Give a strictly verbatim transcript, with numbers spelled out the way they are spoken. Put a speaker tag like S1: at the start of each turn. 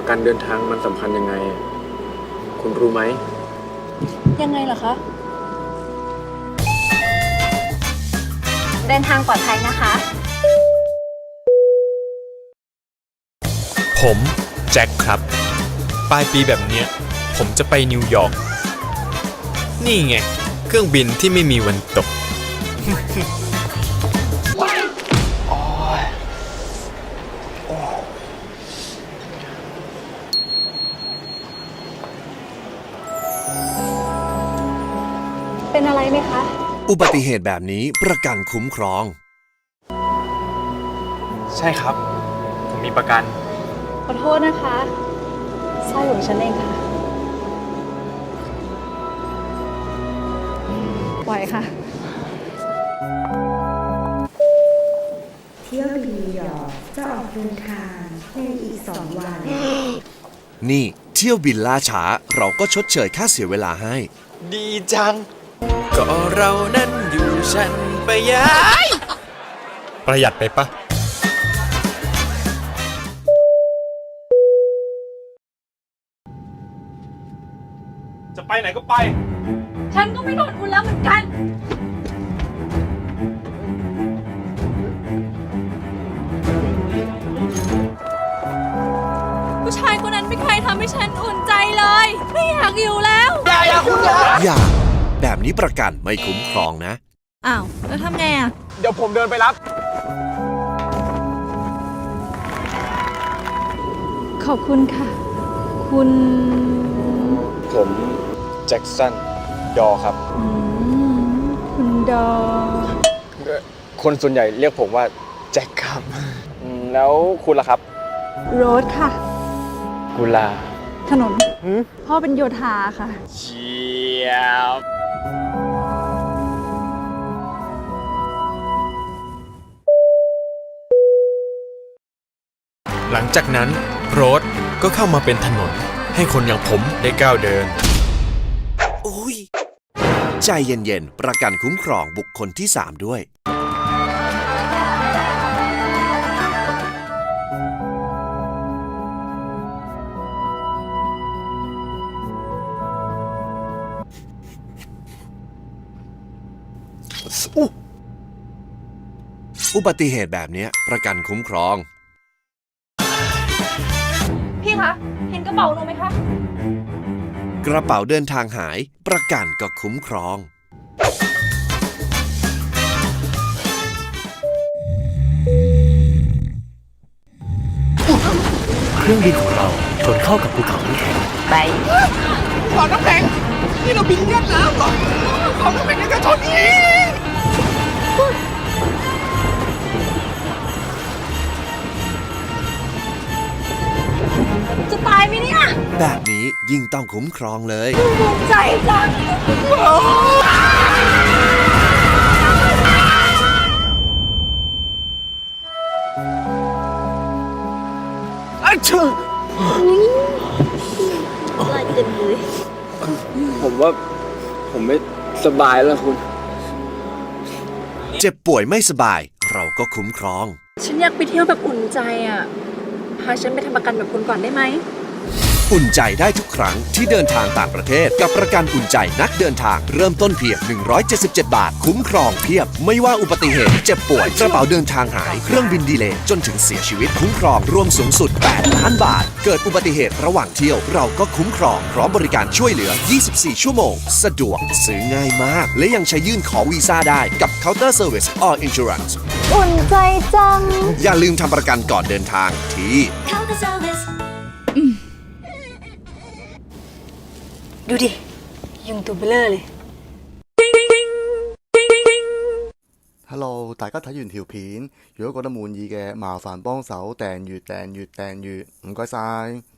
S1: ประกันเดินทางมันสำคัญยังไง คุณรู้ไหม
S2: ยังไงเหรอคะ
S3: เดินทางปลอดภัยนะคะ
S4: ผมแจ็คครับปลายปีแบบเนี้ยผมจะไปนิวยอร์กนี่ไงเครื่องบินที่ไม่มีวันตก
S3: เป็นอะไรไหมคะ
S5: อุบัติเหตุแบบนี้ประกันคุ้มครอง
S1: ใช่ครับผมมีประกัน
S2: ขอโทษนะคะสร้อยของฉันเองค่ะไหวค่ะ
S6: เที่ยวบินนิวยอร์กจะออกเดินทางในอีกสองวัน
S5: นี่เที่ยวบินล่าช้าเราก็ชดเชยค่าเสียเวลาให้
S4: ดีจัง ก็เรานั้นอยู่ฉันไปย้ายประหยัดไปปะจะไปไหนก็ไป
S2: ฉันก็ไม่โดนคุณแล้วเหมือนกันผู้ชายคนนั้นไม่เคยทำให้ฉันอุ่นใจเลยไม่อยากอยู่แล้วอย่าอย่าคุณอย่า
S5: อย่าแบบนี้ประกันไม่คุ้มครองนะ
S2: อ้าวแล้วทำไงอ่ะ
S1: เดี๋ยวผมเดินไปรับ
S2: ขอบคุณค่ะคุณ
S1: ผมแจ็คสันดอครับ
S2: อืมคุณดอ
S1: คนส่วนใหญ่เรียกผมว่าแจ็คครับอืมแล้วคุณล่ะครับ
S2: โรสค่ะ
S1: กุลา
S2: ถนนพ่อเป็นโยธาค่ะ
S1: เชียบ
S4: หลังจากนั้นโรดก็เข้ามาเป็นถนนให้คนอย่างผมได้ก้าวเดิน
S5: อุ้ยใจเย็นๆประกันคุ้มครองบุคคลที่สามด้วยอุบัติเหตุแบบนี้ประกันคุ้มครอง
S2: พี่คะเห็นกระเป๋าหนูไหมคะ
S5: กระเป๋าเดินทางหายประกันก็คุ้มครอง
S7: เครื่องบินของเราชนเข้ากับภูเขาน้ำแข็งไป
S8: ภูเขาน้ำแข็งนี่เราบินเลียดน้ำเหรอภูเขาน้ำแข็งยังจะชนอีก
S2: จะตายไหมเนี่ย
S5: แบบนี้ยิ่งต้องคุ้มครองเลย
S2: ภูมิใจจัง
S1: อะชื่อ
S2: ลายเต็มเลย
S1: ผมว่าผมไม่สบายแล้วคุณ
S5: เจ็บป่วยไม่สบายเราก็คุ้มครอง
S2: ฉันอยากไปเที่ยวแบบอุ่นใจอ่ะพาฉันไปทำประกันแบบคุณก่อนได้ไหม
S5: อุ่นใจได้ทุกครั้งที่เดินทางต่างประเทศกับประกันอุ่นใจนักเดินทางเริ่มต้นเพียงหนึ่งร้อยเจ็ดสิบเจ็ดบาทคุ้มครองเพียบไม่ว่าอุบัติเหตุเจ็บป่วยกระเป๋าเดินทางหายเครื่องบินดีเลย์จนถึงเสียชีวิตคุ้มครองรวมสูงสุดแปดล้านบาทเกิดอุบัติเหตุระหว่างเที่ยวเราก็คุ้มครองพร้อมบริการช่วยเหลือยี่สิบสี่ชั่วโมงสะดวกซื้อง่ายมากและยังใช้ยื่นขอวีซ่าได้กับ Counter Service All Insurance
S3: อุ่นใจจัง
S5: อย่าลืมทำประกันก่อนเดินทางที่
S3: Counter Service ดูดิ ยุงตัวเบลอเลย
S9: Hello， 大家睇完條片，如果覺得滿意嘅，麻煩幫手訂閱訂閱訂閱，唔該晒。